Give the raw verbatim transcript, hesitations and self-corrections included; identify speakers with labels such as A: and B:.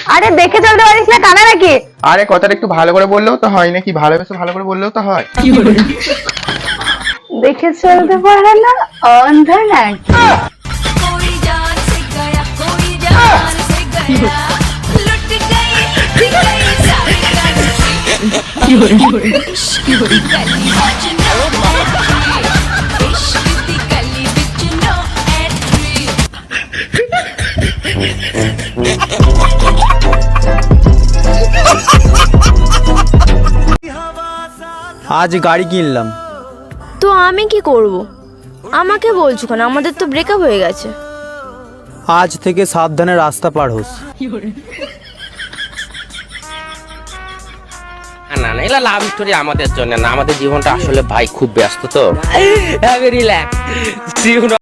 A: আরে দেখে চলতে পারিস না, কানা নাকি?
B: আরে কথাটা একটু ভালো করে বললেও তো হয় নাকি? ভালোবেসে ভালো করে বললেও তো হয়।
A: দেখে চলতে পারে না, অন্ধ নাকি?
C: আজ গাড়ি কিনলাম।
D: তো আমি কি করব? আমাকে বলছো কেন? আমাদের তো ব্রেকআপ হয়ে গেছে।
C: আজ থেকে সাবধানে রাস্তা পার হোস।
E: না না, এগুলা লাভ স্টোরি আমাদের জন্য না, আমাদের জীবনটা আসলে ভাই খুব ব্যস্ত তো। রিল্যাক্স।